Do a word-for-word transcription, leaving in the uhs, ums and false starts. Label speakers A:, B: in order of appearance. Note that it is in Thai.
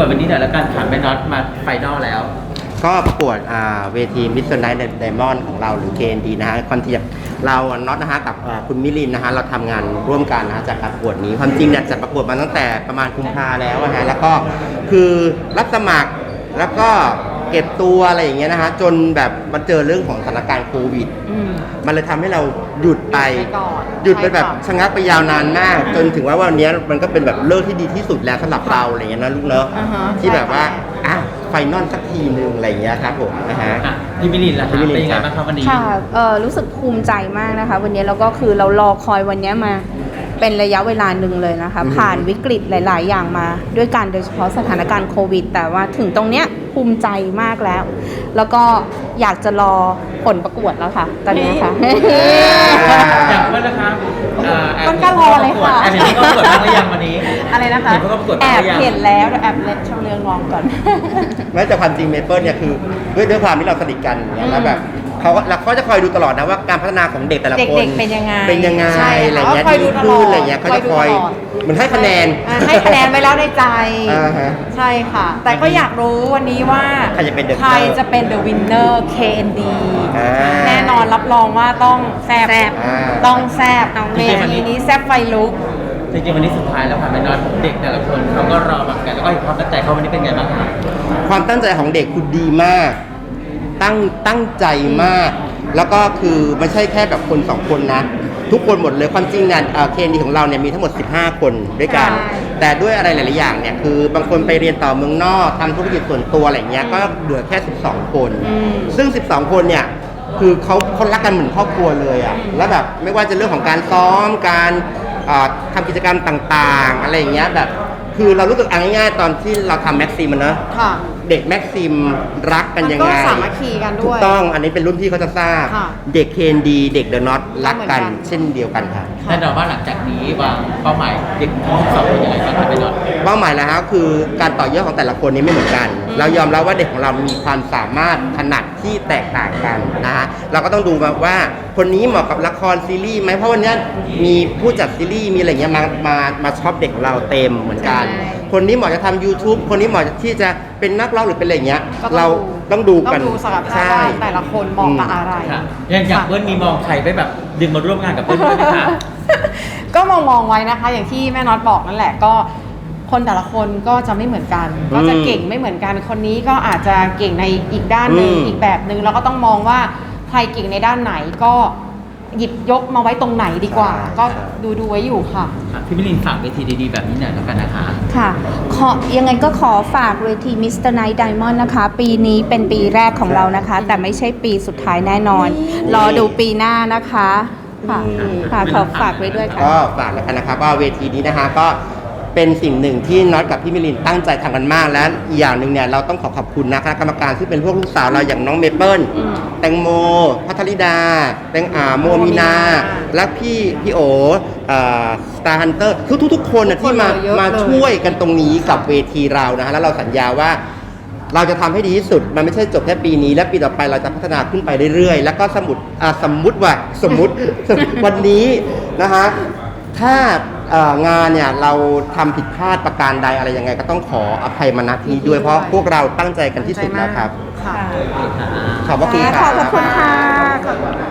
A: วันนี้หน่อยแล้วกันผ่านแม่น็อตมาไฟนอลแล้ว
B: ก็ประกวดเวที มิสเตอร์ Night Diamond ของเราหรือ เค เอ็น ดี นะฮะคอนเทนต์เราน็อตนะฮะกับคุณมิลินนะฮะเราทำงานร่วมกันนะฮะจากการประกวดนี้ความจริงเนี่ยจะประกวดมาตั้งแต่ประมาณกุมภาแล้วนะฮะแล้วก็คือรับสมัครแล้วก็เก็บตัวอะไรอย่างเงี้ยนะฮะจนแบบมาเจอเรื่องของสถานการณ์โควิดมันเลยทำให้เราหยุดไปหยุดไปแบบชะงักไปยาวนานมากจนถึงว่าวันนี้มันก็เป็นแบบเลิกที่ดีที่สุดแล้วสำหรับเราอะไรเงี้ยนะลูกเนอะที่แบบว่าอ่ะไฟนอลสักทีนึงอะไรเงี้ยครับผมนะฮะ
A: พี่มิลินล่ะเป็นยังไงบ้างครับวันนี้
C: ค่ะเออรู้สึกภูมิใจมากนะคะวันนี้แล้วก็คือเรารอคอยวันนี้มาเป็นระยะเวลาหนึ่งเลยนะคะผ่านวิกฤตหลายๆอย่างมาด้วยกันโดยเฉพาะสถานการณ์โควิดแต่ว่าถึงตรงเนี้ยภูมิใจมากแล้วแล้วก็อยากจะรอผลประกวดแล้วค่ะตอนนี้ค่ะ
A: อย่างเพื่อนนะคะ
C: ต้นก็รอเลยค่ะ
A: แอบเห็นเขาประกวดบ้างหรือยังวันนี้
C: อะไรนะคะแอบเห็นแล้วแอบเล่นช่องเรื่องงองก่อน
B: แม้แต่ความจริงเมเปิลเนี่ยคือด้วยด้วยความที่เราสนิทกันแล้วแบบเขาเราเขาจะคอยดูตลอดนะว่าการพัฒนาของเด็กแต่ละคน
C: เป็นยังไง
B: เป็นยังไงอะไรเงี้ยดีขึ้นอะไรเงี้ยเขาจะคอยเหมือนให้คะแนน
C: ให้คะแนนไว้แล้วในใจใช่ค่ะแต่ก็อยากรู้วันนี้ว่าใครจะเป็นใครจะเป็น The Winner เค เอ็น ดี แน่นอนรับรองว่าต้องแซ่บต้องแซ่บเวทีนี้แซ่บไฟลุก
A: จริงๆวันนี้สุดท้ายแล้วค่ะแม่น็อตเด็กแต่ละคนเขาก็รอแบบกันแล้วก็เห็นความตั้งใจเขาวันนี้เป็นไงบ้างคะ
B: ความตั้งใจของเด็กคือดีมากตั้งตั้งใจมากแล้วก็คือไม่ใช่แค่แบบคนสองคนนะทุกคนหมดเลยความจริงเนี่ยเค เอ็น ดี ของเราเนี่ยมีทั้งหมดสิบห้าคนด้วยกันแต่ด้วยอะไรหลายๆอย่างเนี่ยคือบางคนไปเรียนต่อเมืองนอกทำธุรกิจส่วนตัวอะไรเงี้ยก็เหลือแค่สิบสองคนซึ่งสิบสองคนเนี่ยคือเขาเขารักกันเหมือนครอบครัวเลยอ่ะแล้วแบบไม่ว่าจะเรื่องของการซ้อมการทำกิจกรรมต่างๆอะไรอย่างเงี้ยแบบคือเรารู้สึกง่ายๆตอนที่เราทำแม็กซิมนะเด็กแม็กซิมรักกันยังไง
C: ก็สามัคคีกันด้วย
B: ถูกต้องอันนี้เป็นรุ่นพี่เขาจะทราบเด็ก เค เอ็น ดี เด็กเดอะน็อตรักกันเช่นเดียวกันค่ะ
A: แน่นอนว่าหลังจากนี้วางเป้าหมายเด็กทั้งสองคนยังไงบ้างครับพี่น็อต
B: เป้าหมายแล้วครับคือการต่อยอดของแต่ละคนนี้ไม่เหมือนกันเรายอมรับว่าเด็กของเรามีความสามารถถนัดที่แตกต่างกันนะฮะเราก็ต้องดูว่าคนนี้เหมาะกับละครซีรีส์ไหมเพราะวันนี้มีผู้จัดซีรีส์มีอะไรเงี้ยมามามาช็อปเด็กของเราเต็มเหมือนกันคนนี้เหมาะจะทำ YouTube คนนี้เหมาะที่จะเป็นนักร้องหรือเป็นอะไรเงี้ยเราต้องดูกัน
C: ต้องดูศักยภาพว่าแต่ละคนมองกับอะไร
A: อย่างอย่างเบิ้ลมีมองใครไปแบบดึงมาร่วมงานกับเบิ้ลด้วยไหมคะ
C: ก็มองมองไว้นะคะอย่างที่แม่น็อตบอกนั่นแหละก็คนแต่ละคนก็จะไม่เหมือนกันก็จะเก่งไม่เหมือนกันคนนี้ก็อาจจะเก่งในอีกด้านหนึ่งอีกแบบหนึ่งเราก็ต้องมองว่าใครเก่งในด้านไหนก็หยิบยกมาไว้ตรงไหนดีกว่าก็ดูดูไว้อยู่ค่ะ
A: พี่มิลินฝากเวทีดีๆแบบนี้หน่อยแล้วกันนะคะ
C: ค่ะขอยังไงก็ขอฝากเวที มิสเตอร์ Night Diamond นะคะปีนี้เป็นปีแรกของเรานะคะแต่ไม่ใช่ปีสุดท้ายแน่นอนรอดูปีหน้านะคะค่ะค่ะขอฝากไว้ด้วยค่ะ
B: ก็ฝากแล้วกันนะครับว่าเวทีนี้นะคะก็เป็นสิ่งหนึ่งที่น็อตกับพี่มิลินตั้งใจทำกันมากและอีกอย่างหนึ่งเนี่ยเราต้องขอขอบคุณนะคณะกรรมการที่เป็นพวกลูกสาวเราอย่างน้องเมเปิลแตงโมพัทริดาแตงอาโมมีนาและพี่พี่โอสตาร์ฮันเตอร์ทุกทุกคนนะที่มามาช่วยกันตรงนี้กับเวทีเรานะฮะแล้วเราสัญญาว่าเราจะทำให้ดีที่สุดมันไม่ใช่จบแค่ปีนี้และปีต่อไปเราจะพัฒนาขึ้นไปเรื่อยๆแล้วก็สมมติสมมุติว่าสมมุติวันนี้นะฮะถ้างานเนี่ยเราทำผิดพลาดประการใดอะไรยังไงก็ต้องขออภัยมาณที่นี้ด้วยเพราะพวกเราตั้งใจกันที่สุดแล้วครับขอบคุณค่ะ
C: ขอบคุณค่ะ